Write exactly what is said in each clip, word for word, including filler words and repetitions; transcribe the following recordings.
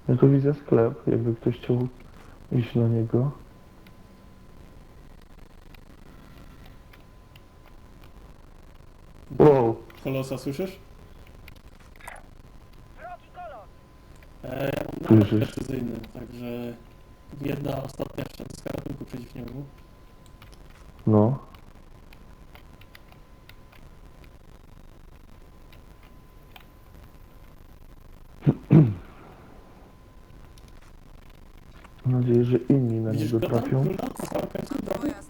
Ja tu widzę sklep, jakby ktoś chciał iść na niego. Wow, Kolosa, słyszysz? Wrogi kolos! E, ja mam napad Słyszysz? precyzyjny, także jedna ostatnia szczęka z karabinku przeciwniego. no. Mam nadzieję, że inni na Widzisz niego go tam? trafią. Króla? Na samym końcu drogi? Pojazd!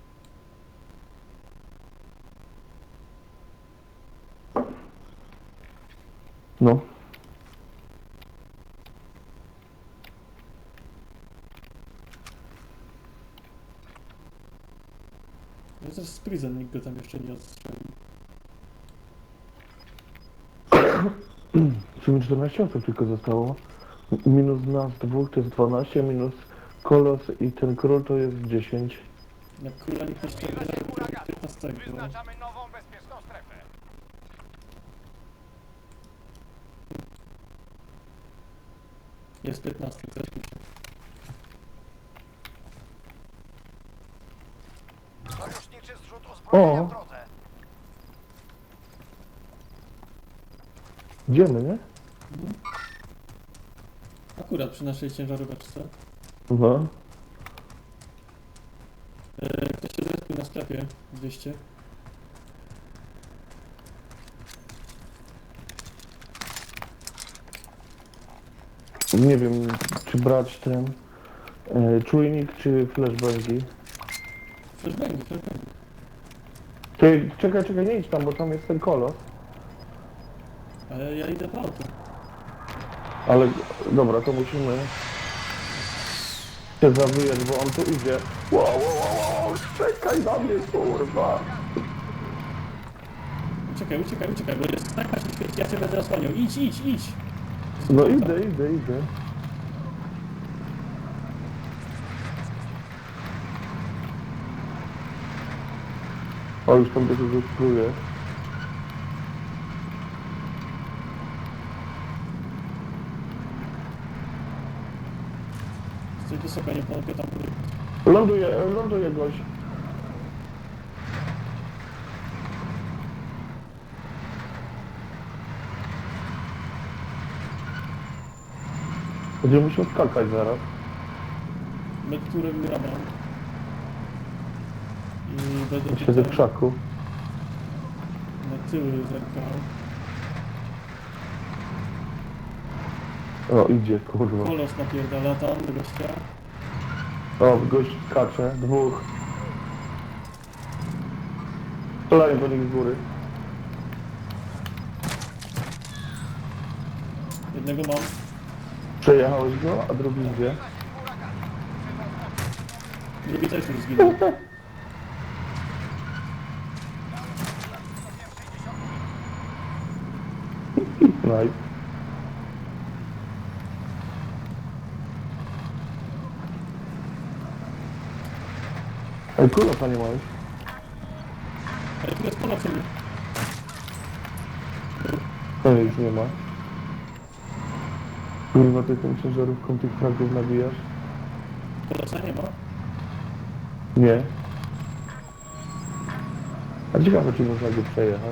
No. No to jest prison, nikt go tam jeszcze nie odstrzelił. Czyli czternaście osób tylko zostało. Minus nas dwóch to jest dwanaście, minus kolos i ten król to jest dziesięć. Jak króla nikt nie ściągnął do piętnastego. Wyznaczamy nową bezpieczną strefę. Jest piętnasty, coś mi się. Sojuszniczy zrzut uzbrojenia O. w drodze. Idziemy, nie? Akurat przy naszej ciężaróweczce. No. E, ktoś się zrespił na sklepie dwieście. Nie wiem, czy brać ten e, czujnik, czy flashbangi. Flashbangi, flashbangi. Ty, czekaj, czekaj, nie idź tam, bo tam jest ten kolos. Ale ja idę po auto. Ale dobra, to musimy się zawijać, bo on tu idzie. Wow, wow, wow, wow, czekaj na mnie, kurwa. Uciekaj, uciekaj, uciekaj, bo jest snajpa się świeci, ja cię będę osłaniał. Idź, idź, idź! No idę, idę, idę. O, już tam dużo wypluje. Stój wysoko, nie pomogę tam góry. Ląduje, ląduje gość. Będziemy musiał skakać zaraz. Lekturę wyrabam. I będę Siedzę w tutaj krzaku. na tyły zerkał. O, idzie, kurwa. Kolos napierdala tam do gościa. O, gość skacze, dwóch. Strzelają do nich z góry. Jednego mam. Przejechałeś go, a drugi gdzie? Drugi też już zginął. Nice. Ej, kurwa, nie masz. Ale tu jest ponad sobie. To już nie ma. Kurwa, ty tą ciężarówką tych fragów nabijasz? Kolosa nie ma. Nie. A ciekawe, czy można go przejechać.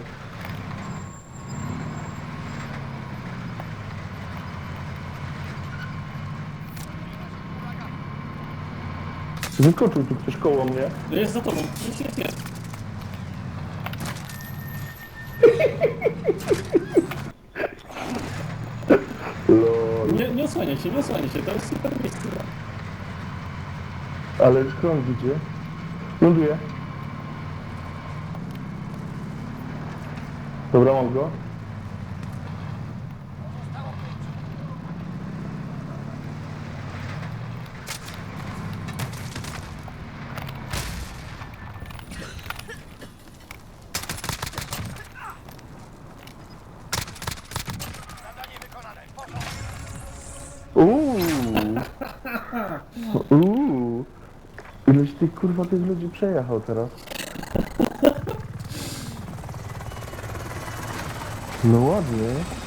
Wyskoczył tu ktoś koło mnie. No jest za tobą. Jest, jest, jest. Lol. Nie, nie osłaniaj się, nie osłaniaj się. To jest super miejsce. Ale skąd idzie? Ląduje. Dobra, mam go. Zadanie wykonane. Porządek. Uuu. Uuu. Ileś ty kurwa tych ludzi przejechał teraz? No ładnie.